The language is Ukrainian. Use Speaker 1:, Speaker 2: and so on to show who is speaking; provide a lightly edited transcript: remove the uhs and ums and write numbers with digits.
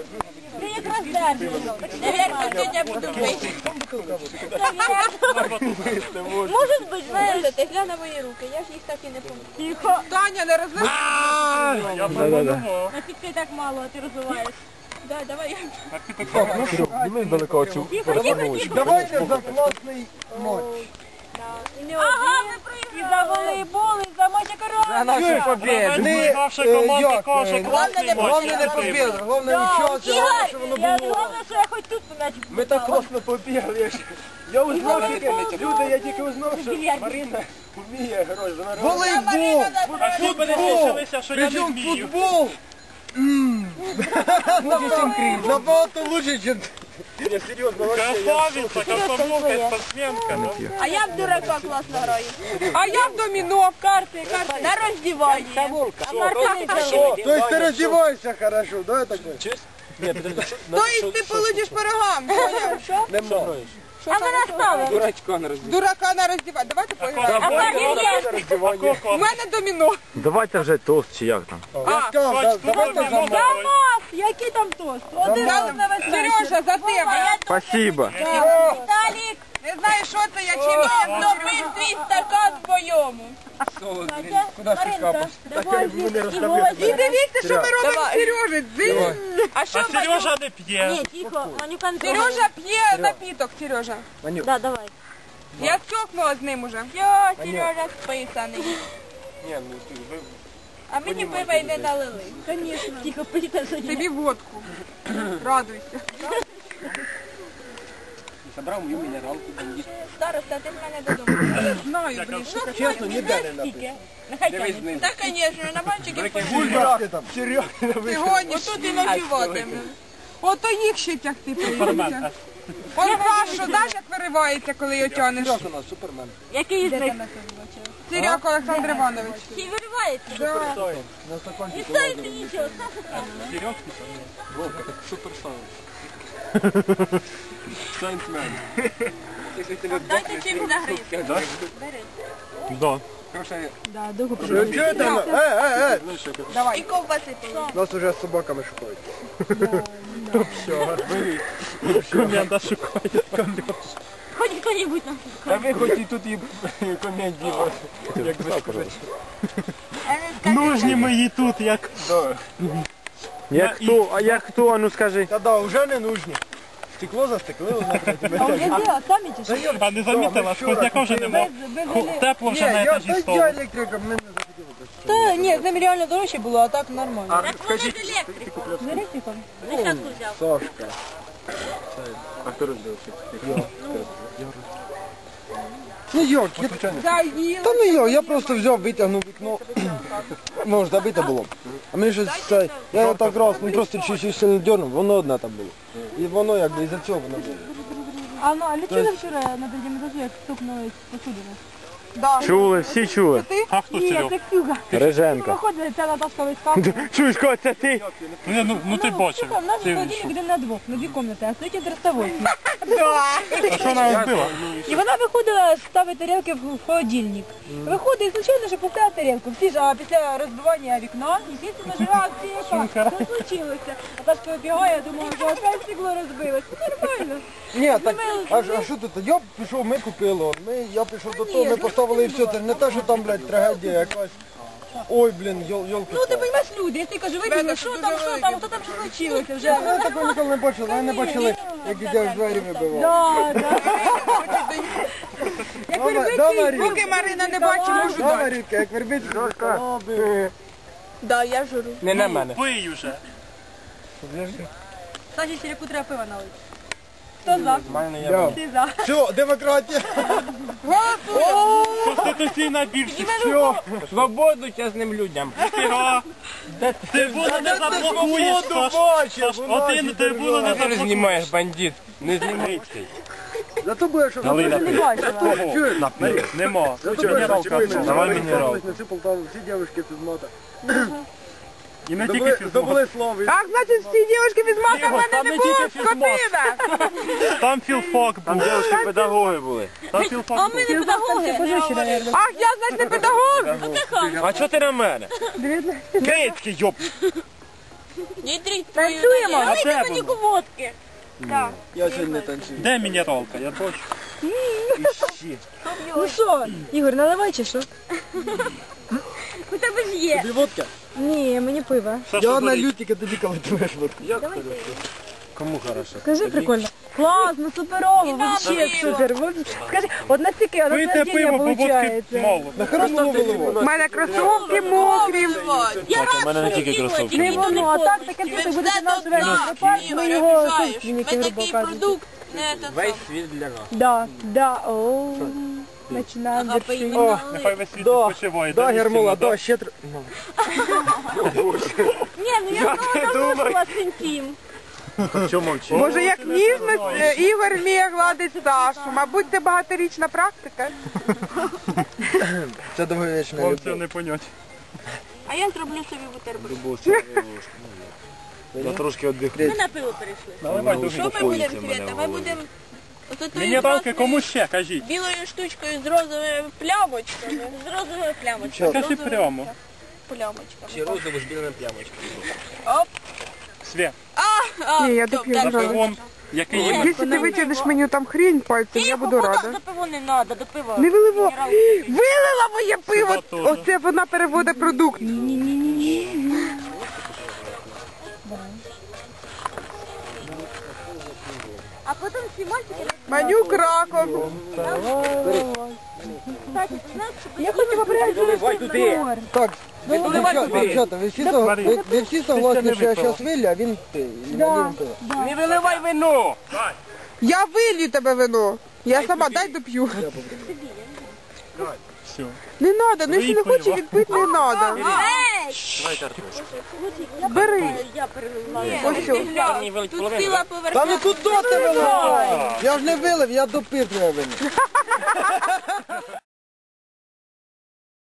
Speaker 1: Ти якраз держиш. Наверное, тетя буду пити. Може бути, знаєш, ти глянь на мої руки, я ж їх так і не пам'ятаю.
Speaker 2: Тихо. Таня, не розливай.
Speaker 3: Я подумав.
Speaker 1: Нафіг ти так мало, а ти розвиваєш. Да, давай.
Speaker 3: Ми далеко оцю.
Speaker 4: Давайте за класний матч.
Speaker 1: Ага, ми проіграли. І за волейбол, і за матч
Speaker 4: За нашу победу.
Speaker 3: Наша команда каже, класний
Speaker 4: Головне не победу, головне участвувати,
Speaker 1: Ігор,
Speaker 4: щоб воно
Speaker 1: я
Speaker 4: було.
Speaker 1: головне, що я хоч тут м'яч
Speaker 4: Ми так класно побігли. Я узнав, люди, я тільки узнав, що Марина вміє герой. Волейбол!
Speaker 3: А тут мене лишилися, що я не вмію.
Speaker 4: Футбол! Набагато лучше, ніж... Я серйозно,
Speaker 3: Красавиця, комсомолка, спортсменка.
Speaker 1: А я в дурака класно граю.
Speaker 2: А я в доміно, в карти.
Speaker 1: На роздіванні. А Марка не
Speaker 4: То есть ты раздеваешься хорошо, да, такой?
Speaker 2: То есть ти получиш пирогам.
Speaker 4: Не можешь.
Speaker 1: А ми наставили.
Speaker 4: Дурачка на роздівання.
Speaker 2: Дурака на роздівання. Давайте поіграємо.
Speaker 1: А Марка
Speaker 2: У мене доміно.
Speaker 5: Давайте вже тост чи як там.
Speaker 4: Я сказав, давайте за мною.
Speaker 1: Дамас! Який там тост? Один раз на весь вечір.
Speaker 2: Сережа, за тебе.
Speaker 5: Спасибо.
Speaker 1: Віталік,
Speaker 2: Не знаю, що це, я чим.
Speaker 1: допий свій стакан своєму.
Speaker 4: Куда ж ти капаєш?
Speaker 1: Давай,
Speaker 2: І дивіться, що ми робимо з Сережею. Дзинь.
Speaker 1: А що
Speaker 3: А Сережа не п'є.
Speaker 1: Ні, тихо, Манюкан.
Speaker 2: Сережа п'є напіток, Сережа.
Speaker 1: Да, давай.
Speaker 2: Я стьокнула з ним уже.
Speaker 1: Все, Сережа списаний.
Speaker 4: Ні, ну ти ви...
Speaker 1: А мені пива й не налили. Конечно. Тихо, пийте сьогодні.
Speaker 2: Тобі водку. Радуйся.
Speaker 4: Забрав мою мінералку, там є.
Speaker 1: Староста, ти в мене додому.
Speaker 2: Я знаю, блін, що це?
Speaker 4: Чесно, ніде не написано.
Speaker 1: Тільки. Нехай тягне. Так, звісно, на мальчиків
Speaker 4: Бульбашки там. Серйозно,
Speaker 2: Ти гониш.
Speaker 1: Отут і ночуватиме.
Speaker 2: Ото їх ще тягти прийдеться. Он Пашу, знаєш, як виривається, коли його тянеш?
Speaker 4: Серйозно у нас, Супермен.
Speaker 1: Який з них?
Speaker 2: Сиряк Олександр Іванович.
Speaker 1: Чи виривається?
Speaker 4: На стаканчик.
Speaker 1: І стоїть нічого.
Speaker 4: Вовка, так суперсон. Сайнсмен. Якщо тебе
Speaker 1: Дайте чим загрити. Бери.
Speaker 3: Да.
Speaker 4: Чого там?
Speaker 1: І ковбаси.
Speaker 4: Нас уже з собаками шукають.
Speaker 3: Команда шукає.
Speaker 1: Хоч хто-небудь нам.
Speaker 4: Та ви хоч і тут і комедії, як ви скажете.
Speaker 3: Нужні мої тут, як...
Speaker 5: Як хто, а як хто, а ну скажи.
Speaker 4: Та да, вже не нужні. Стекло застеклило на третьому етажі.
Speaker 3: А не замітила, сквозняка вже нема. Тепло вже на етажі столу.
Speaker 4: Я електрика, ми не захотіли.
Speaker 2: Та ні, з ним реально дорожче було, а так нормально.
Speaker 1: Так вони з електриком.
Speaker 2: З електриком?
Speaker 1: Десятку взяв.
Speaker 4: Сашка. А хто розбився? Ну як? Та ну я просто взяв, витягнув вікно. Може забите було. А мені щось це, я його так раз, ну просто чуть-чуть сильно дернув, воно одне там було. І воно якби із-за цього воно було.
Speaker 6: А ну, а не чули вчора на третьому етажі, як стукнули посудину?
Speaker 5: Чули, всі чули.
Speaker 3: А хто
Speaker 6: Ні,
Speaker 3: Серега?
Speaker 6: це Ксюга.
Speaker 5: Реженка.
Speaker 6: Виходили, ця Наташка вискакує.
Speaker 5: Чуєш, Кот, це ти?
Speaker 3: Ну ти бачив.
Speaker 6: У нас
Speaker 3: Ти
Speaker 6: холодильник один на двох, на дві кімнати, а стоїть дростовий.
Speaker 3: А що вона розбила?
Speaker 6: І вона виходила ставити тарілки в холодильник. Виходить, і случайно, що поставила тарілку. Всі ж, а після розбивання вікна, естественно, ж реакція яка. Що случилося? Наташка вибігає, думала, що опять стекло розбилось. Нормально.
Speaker 4: Ні, так, а що тут? Я пішов, ми купили, я пішов до того, ми поставили і все, це не те, що там, блядь, трагедія якась. Ой, блін, йолки.
Speaker 6: Ну, ти розумієш, люди, якщо кажу, вибігли, що там, хто там, що случилося вже.
Speaker 4: Ми такого ніколи не бачили, ми не бачили, як дітей в двері вибивав.
Speaker 6: Да, да.
Speaker 2: Поки Марина не бачить, можу
Speaker 4: Да,
Speaker 2: дати.
Speaker 4: Марівка, як вербить,
Speaker 1: Да, я журу.
Speaker 4: не на мене.
Speaker 3: Пий уже.
Speaker 6: Саші Сіряку треба пива налити. Хто за? Ти за.
Speaker 4: Все, демократія.
Speaker 3: Конституційна більшість.
Speaker 4: Свободу чесним людям.
Speaker 3: Фіга. Трибуну не заблокуєш. Один трибуну не заблокуєш.
Speaker 4: знімаєш, бандит. Не знімай. Зато будеш, що чуєш?
Speaker 3: Нема.
Speaker 4: Давай мінералку. Всі Полтаву, всі дівчатки з мата.
Speaker 3: І не тільки фізмат.
Speaker 4: Здобули слово.
Speaker 2: Так, значить, всі дівчатки від мата в мене
Speaker 3: Там
Speaker 2: не
Speaker 3: не
Speaker 2: було,
Speaker 3: тільки фізмат.
Speaker 2: скотина.
Speaker 3: Там філфак був.
Speaker 5: Педагоги були.
Speaker 3: Там
Speaker 1: А
Speaker 3: філфак
Speaker 1: ми
Speaker 3: був.
Speaker 1: не педагоги.
Speaker 2: Ах, я, значить, не педагог.
Speaker 5: А чого ти на мене? Крицький, йоп.
Speaker 1: Дітріть,
Speaker 6: Танцюємо?
Speaker 3: А де
Speaker 1: Давайте мені
Speaker 3: воно?
Speaker 1: водки.
Speaker 4: Я сьогодні не танцюю.
Speaker 3: Де мінералка? Я бачу.
Speaker 6: Ну що, Ігор, наливай чи що?
Speaker 1: У тебе ж є.
Speaker 4: Тобі водка?
Speaker 6: Ні, мені пиво.
Speaker 3: Саша,
Speaker 4: Я на
Speaker 3: беріть.
Speaker 4: лютика, тобі коли твоєш водку.
Speaker 5: Кому хорошо?
Speaker 6: Скажи прикольно. Класно, суперово, вообще супер. Скажи, от настільки
Speaker 3: Пийте
Speaker 6: наслаждення
Speaker 3: пиво, бо водки
Speaker 6: получається.
Speaker 3: мало.
Speaker 4: На хорошому голову.
Speaker 2: У мене кросовки мокрі.
Speaker 1: Я
Speaker 5: у мене не тільки кросовки.
Speaker 6: Не воно, а так таке пиво, будете наш весь припас, ми його собственники,
Speaker 1: Ми
Speaker 6: грубо
Speaker 1: такий
Speaker 6: кажучи.
Speaker 1: продукт, не то
Speaker 5: Весь світ для нас.
Speaker 6: Да, да, о, починаємо вершити.
Speaker 4: О,
Speaker 3: Нехай весь світ
Speaker 4: да,
Speaker 3: відпочиває.
Speaker 4: да,
Speaker 3: Де
Speaker 4: Гермола,
Speaker 3: місця,
Speaker 4: да, ще
Speaker 1: Ні, ну я знову на синтім.
Speaker 5: Чому мовчиш?
Speaker 2: Боже, як ніжно Ігор вміє гладити Сашу. Мабуть, це багаторічна практика.
Speaker 4: Це довговічна
Speaker 3: Вам це
Speaker 4: любов.
Speaker 3: не понять.
Speaker 1: А я зроблю собі бутерброд.
Speaker 5: Я трошки віддихну.
Speaker 1: Ми на пиво перейшли.
Speaker 3: Наливай дуже.
Speaker 1: Що ми будемо, Свята? Ми будемо
Speaker 3: Мінералки кому ще, кажіть.
Speaker 1: білою штучкою з розовими плямочками. З розовими плямочками.
Speaker 3: Кажи прямо.
Speaker 1: Плямочками.
Speaker 5: розову з білими плямочками.
Speaker 3: Свят.
Speaker 2: Ні, я доп'ю.
Speaker 3: За пивом, який є.
Speaker 2: Якщо ти витягнеш мені там хрінь пальцем, я буду рада.
Speaker 1: До пиво не треба, до пива.
Speaker 2: Не виливо. Вилила моє пиво.
Speaker 3: Сюди теж.
Speaker 2: Оце вона переводить продукт.
Speaker 1: А потім всі мальчики...
Speaker 2: Манюк раком.
Speaker 6: Я хочу попрятати.
Speaker 4: Так, дівчата, ви всі согласні, що я зараз вилю, а він пиє.
Speaker 3: Не виливай вино!
Speaker 2: Я вилью тебе вино. Я сама дай доп'ю.
Speaker 3: Все.
Speaker 2: Не треба, ну якщо не хоче відпити, не треба. Бери.
Speaker 1: Я переливаю.
Speaker 2: Ось що.
Speaker 1: Тут ціла
Speaker 4: Та
Speaker 1: поверхня.
Speaker 4: ну куди ти виливаєш? Я ж не вилив, я допив твоє вино.